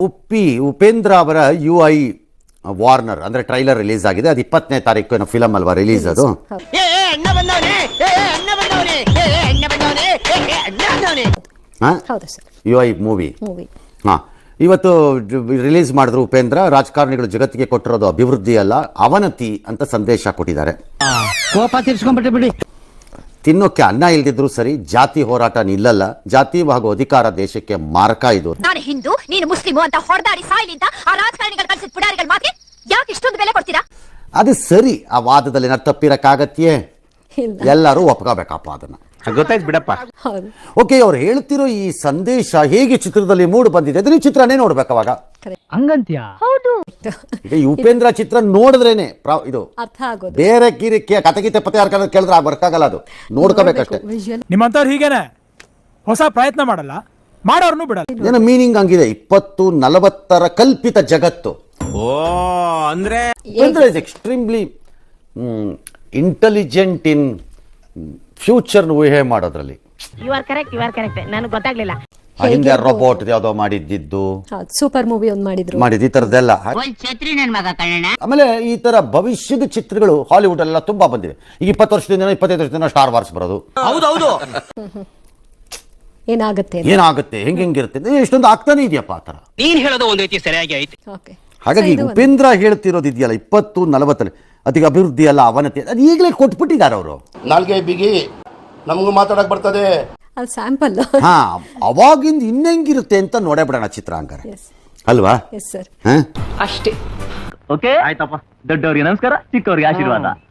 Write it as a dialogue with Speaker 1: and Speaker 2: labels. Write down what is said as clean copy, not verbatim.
Speaker 1: ಉಪೇಂದ್ರ ಅವರ UI warner ಅಂದ್ರೆ trailer release ಆಗಿದೆ. ಅದು 20ನೇ ತಾರೀಕು ಫಿಲಮ್ ಅಲ್ವಾ ರಿಲೀಸ್ ಅದು. UI ಮೂವಿ ಇವತ್ತು ರಿಲೀಸ್ ಮಾಡಿದ್ರು ಉಪೇಂದ್ರ. ರಾಜಕಾರಣಿಗಳು ಜಗತ್ತಿಗೆ ಕೊಟ್ಟಿರೋದು ಅಭಿವೃದ್ಧಿ ಅಲ್ಲ ಅವನತಿ ಅಂತ ಸಂದೇಶ ಕೊಟ್ಟಿದ್ದಾರೆ. ತಿನ್ನೋಕೆ ಅನ್ನ ಇಲ್ದಿದ್ರು ಸರಿ, ಜಾತಿ ಹೋರಾಟ ನಿಲ್ಲಲ್ಲ. ಜಾತಿ ಹಾಗೂ ಅಧಿಕಾರ ದೇಶಕ್ಕೆ ಮಾರಕ. ಇದು
Speaker 2: ನಾನು ಹಿಂದೂ ನೀನು ಮುಸ್ಲಿಮು ಅಂತ ಹೊರದಾಡಿ ಸಾಯ್ಲಿಂತ ಆ ರಾಜಕಾರಣಿಗಳು ಕಳಿಸಿದ ಪುಡಾರಿಗಳ ಮಾತಿಗೆ ಯಾಕೆ ಇಷ್ಟೊಂದು ಬೆಲೆ ಕೊಡ್ತೀರಾ?
Speaker 1: ಅದು ಸರಿ. ಆ ವಾದದಲ್ಲಿ ನಾನು ತಪ್ಪಿರಕ್ಕಾಗತ್ಯೆ? ಎಲ್ಲರೂ ಒಪ್ಕೋಬೇಕಪ್ಪ ಅದನ್ನ.
Speaker 3: ಗೊತ್ತಾಯ್ತು ಬಿಡಪ್ಪ.
Speaker 1: ಓಕೆ, ಅವ್ರು ಹೇಳ್ತಿರೋ ಈ ಸಂದೇಶ ಹೇಗೆ ಚಿತ್ರದಲ್ಲಿ ಮೂಡ್ ಬಂದಿದೆ ಅಂದ್ರೆ ಈ ಚಿತ್ರನೇ ನೋಡ್ಬೇಕು ಅವಾಗ.
Speaker 4: ಹಂಗಂತ್ಯ?
Speaker 2: ಹೌದು.
Speaker 1: ಈಗ ಈ ಉಪೇಂದ್ರ ಚಿತ್ರ ನೋಡಿದ್ರೇನೆ ಇದು
Speaker 2: ಅರ್ಥ ಆಗೋದು.
Speaker 1: ಬೇರೆ ಕಥೆಗೀತೆ ಪತೆ ಯಾರು ಕೇಳಿದ್ರೆ ಬರ್ಕಾಗಲ್ಲ, ಅದು ನೋಡ್ಕೋಬೇಕಷ್ಟೇ.
Speaker 4: ನಿಮ್ಮಂತವ್ರು ಹೀಗೇನೆ ಹೊಸ ಪ್ರಯತ್ನ ಮಾಡಲ್ಲ, ಮಾಡೋರ್ನು ಬಿಡಲ್ಲ.
Speaker 1: ಏನೋ ಮೀನಿಂಗ್ ಹಂಗಿದೆ. 2040 ಕಲ್ಪಿತ ಜಗತ್ತು.
Speaker 3: ಓ ಅಂದ್ರೆ
Speaker 1: is extremely intelligent in future ಊಹೆ ಮಾಡೋದ್ರಲ್ಲಿ.
Speaker 2: ಯು ಆರ್ ಕರೆಕ್ಟ್ ನನಗೆ ಗೊತ್ತಾಗ್ಲಿಲ್ಲ.
Speaker 1: ಹಿಂದೆ ರೋಬೋಟ್ ಯಾವ್ದೋ ಮಾಡಿದ್ದು,
Speaker 2: ಸೂಪರ್ ಮೂವಿ ಒಂದು
Speaker 1: ಮಾಡಿದ್ದು, ಈ ತರದೆಲ್ಲ. ಆಮೇಲೆ ಈ ತರ ಭವಿಷ್ಯದ ಚಿತ್ರಗಳು ಹಾಲಿವುಡ್ ಎಲ್ಲ ತುಂಬಾ ಬಂದಿವೆ. ಈಗ 20 ವರ್ಷದಿಂದ 25 ವರ್ಷದಿಂದ ಸ್ಟಾರ್ ವಾರ್ಸ್ ಬರೋದು.
Speaker 3: ಹೌದೌದು.
Speaker 1: ಏನಾಗುತ್ತೆ ಹೆಂಗಿರುತ್ತೆ ಎಷ್ಟೊಂದು ಆಗ್ತಾನೆ ಇದೆಯಪ್ಪ ಆ ತರ.
Speaker 3: ನೀನ್ ಹೇಳೋದು ಒಂದ್ ರೀತಿ ಸರಿಯಾಗಿ ಐತಿ.
Speaker 1: ಹಾಗಾಗಿ ಉಪೇಂದ್ರ ಹೇಳ್ತಿರೋದು ಇದೆಯಲ್ಲ 2040 ಅದಕ್ಕೆ ಅಭಿವೃದ್ಧಿ ಅಲ್ಲ ಅವನತಿ, ಅದು ಈಗಲೇ ಕೊಟ್ಬಿಟ್ಟಿದ್ದಾರೆ ಅವರು.
Speaker 5: ನಾಲ್ಗೆ ಬಿಗಿ ನಮಗೂ ಮಾತಾಡಕ್ ಬರ್ತದೆ.
Speaker 2: ಸ್ಯಾಂಪಲ್.
Speaker 1: ಹಾ, ಅವಾಗಿಂದ ಇನ್ನೆಂಗಿರುತ್ತೆ ಅಂತ ನೋಡೇ ಬಿಡೋಣ ಚಿತ್ರ ಹಂಗಾರೆ, ಅಲ್ವಾ?
Speaker 2: Yes sir.
Speaker 4: ಅಷ್ಟೇ. ಓಕೆ ಆಯ್ತಪ್ಪ. ದೊಡ್ಡವ್ರಿಗೆ ನಮಸ್ಕಾರ, ಚಿಕ್ಕವ್ರಿಗೆ ಆಶೀರ್ವಾದ.